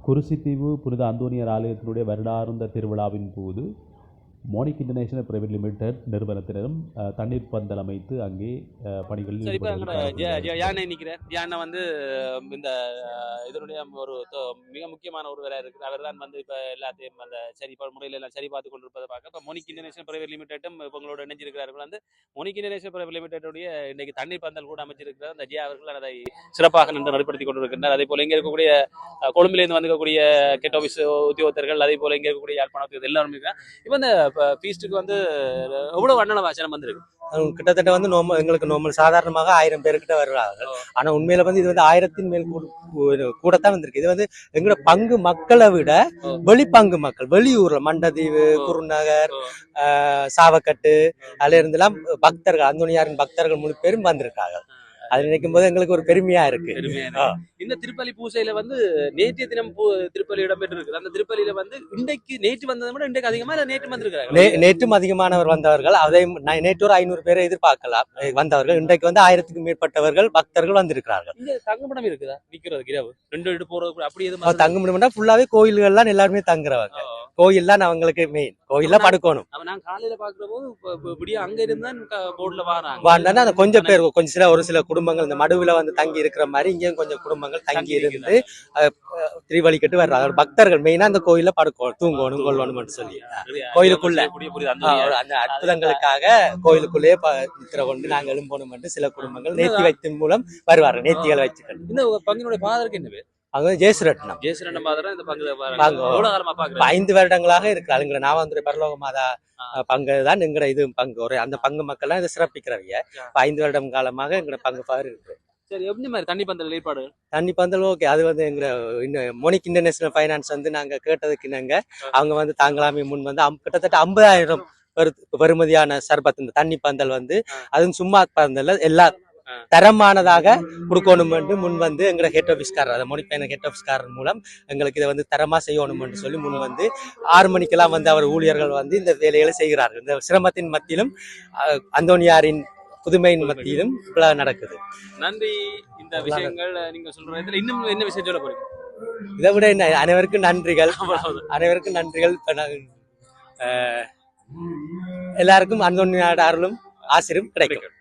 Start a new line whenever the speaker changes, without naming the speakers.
குருசித்தீவு புனித அந்தோனியர் ஆலயத்தினுடைய வருடார்ந்த திருவிழாவின் போது மோனிக் இன்டர்நேஷனல் பிரைவேட் லிமிடெட் நிறுவனத்தினரும் தண்ணீர் பந்தல் அமைத்து அங்கே பணிகளில்
யானை நிற்கிறேன். யானை வந்து இந்த இதனுடைய ஒரு மிக முக்கியமான ஒரு வேலை இருக்குது. அவர் தான் வந்து இப்போ எல்லாத்தையும் அந்த சரி முறையில் எல்லாம் சரி பார்த்து கொண்டிருப்பதை பார்க்க இப்போ மோனிக் இன்டர்நேஷனல் பிரைவேட் லிமிடெட்டும் இவங்களோட இணைஞ்சிருக்கிறார்கள். வந்து மோனிக் இன்டர்நேஷனல் பிரைவேட் லிமிடெட்டுடைய இன்றைக்கு தண்ணீர் பந்தல் கூட அமைச்சிருக்கிறார். அந்த ஜியா அவர்கள் அதை சிறப்பாக நின்று நடைபடுத்தி கொண்டிருக்கின்றனர். அதே போல இங்கே இருக்கக்கூடிய கொழும்பிலிருந்து வந்துக்கக்கூடிய கெட் ஆஃபீஸ் உத்தியோகத்தர்கள், அதே போல இங்கே இருக்கக்கூடிய யாழ்ப்பாணத்தில் எல்லாரும் இருக்கிறார். இப்போ இந்த ஃபீஸ்ட்டுக்கு வந்து எவ்வளவு வண்ணன வாசனம் வந்திருக்கு?
கிட்டத்தட்ட வந்து எங்களுக்கு நார்மல் சாதாரணமாக 1000 பேர்கிட்ட வருவாங்க. ஆனா உண்மையில வந்து இது வந்து 1000 மேல் கூடத்தான் வந்திருக்கு. இது வந்து எங்களோட பங்கு மக்களை விட வெளிப்பங்கு மக்கள், வெளியூர்ல மண்டதீவு, குருநகர், சாவக்கட்டு, அதுல இருந்தெல்லாம் பக்தர்கள், அந்தோனியாரின் பக்தர்கள் முழு பேரும் வந்திருக்காங்க. அது நினைக்கும் போது எங்களுக்கு ஒரு பெருமையா இருக்கு.
இந்த திருப்பலி பூசையில வந்து நேற்றைய தினம் திருப்பலி இடம்பெற்று இருக்கு. அந்த திருப்பலியில வந்து இன்றைக்கு நேற்று வந்ததை விட இன்றைக்கு அதிகமா நேற்று வந்திருக்காங்க.
நேற்றும் அதிகமானவர் வந்தவர்கள். அதை நேற்று ஒரு 500 பேரை எதிர்பார்க்கலாம் வந்தவர்கள். இன்றைக்கு வந்து 1000க்கும் மேற்பட்டவர்கள் பக்தர்கள் வந்திருக்கிறார்கள்.
இங்க தங்குமிடம் இருக்குதா? நிக்கிறது இரவு 2 போறது அப்படி எதுவும்
தங்குமிடம் ஃபுல்லாவே கோயில்கள்லாம் எல்லாருமே தங்குறவங்க. கோயில் தான் அவங்களுக்கு மெயின். கோயில்ல படுக்கணும்.
நான் காலையில பாக்குற போது அங்க இருந்தா போர்ட்ல வாராங்க.
கொஞ்சம் பேர், கொஞ்சம் ஒரு சில குடும்பங்கள் இந்த மடுவுல வந்து தங்கி இருக்கிற மாதிரி இங்கேயும் கொஞ்சம் குடும்பங்கள் தங்கி இருந்து திருவழிக்கட்டு வர்றாங்க. பக்தர்கள் மெயினா அந்த கோயில்ல படுக்கணும், தூங்கணும், கொள்ளணும் சொல்லி கோயிலுக்குள்ள அந்த அற்புதங்களுக்காக கோயிலுக்குள்ளேயே நித்திர கொண்டு நாங்கள் எழும்பணும் சில குடும்பங்கள் நேர்த்தி வைத்தின் மூலம் வருவார்கள். நேர்த்திகள் வச்சுக்கணும்.
இந்த பங்கினுடைய பாதருக்கு என்ன பேர்?
அங்க ஜெயசுரட்னம்.
இந்த பங்கு
5 வருடங்களாக இருக்கிறாங்க. நாவாந்துறை பரலோக மாதா பங்கு தான் எங்கட இது பங்கு. ஒரு அந்த பங்கு மக்கள் எல்லாம் இதை சிறப்பிக்கிறவங்க. 5 வருடம் காலமாக எங்கட பங்கு பாரு இருக்கு.
சரி, எப்படி மாதிரி தண்ணி பந்தல் ஏற்பாடு?
தண்ணி பந்தல் ஓகே. அது வந்து எங்க மோனிக் இன்டர்நேஷனல் ஃபைனான்ஸ் வந்து நாங்க கேட்டதுக்கு நாங்க அவங்க வந்து தாங்களாமே முன் வந்து கிட்டத்தட்ட 50,000 பெறுமதியான சர்பத் இந்த தண்ணி பந்தல் வந்து அதுவும் சும்மா பந்தல் எல்லா தரமானதாக கொடுக்கணும் என்று முன் வந்து எங்களை ஹெட் ஆஃபீஸ்காரர், அதை மோனிக் பையன் ஹெட் ஆஃபீஸ்காரர் மூலம் எங்களுக்கு இதை வந்து தரமா செய்யணும் என்று சொல்லி முன் வந்து 6 மணிக்கெல்லாம் வந்து அவர் ஊழியர்கள் வந்து இந்த வேலைகளை செய்கிறார்கள். இந்த சிரமத்தின் மத்தியிலும் அந்தோனியாரின் புதுமையின் மத்தியிலும் நடக்குது.
நன்றி. இந்த விஷயங்கள் நீங்க சொல்றதுல இன்னும் என்ன விஷயம் சொல்ல போறீங்க?
இதை விட என்ன, அனைவருக்கும் நன்றிகள், அனைவருக்கும் நன்றிகள். எல்லாருக்கும் அந்தோனியார் அருளும் ஆசிரும் கிடைக்கும்.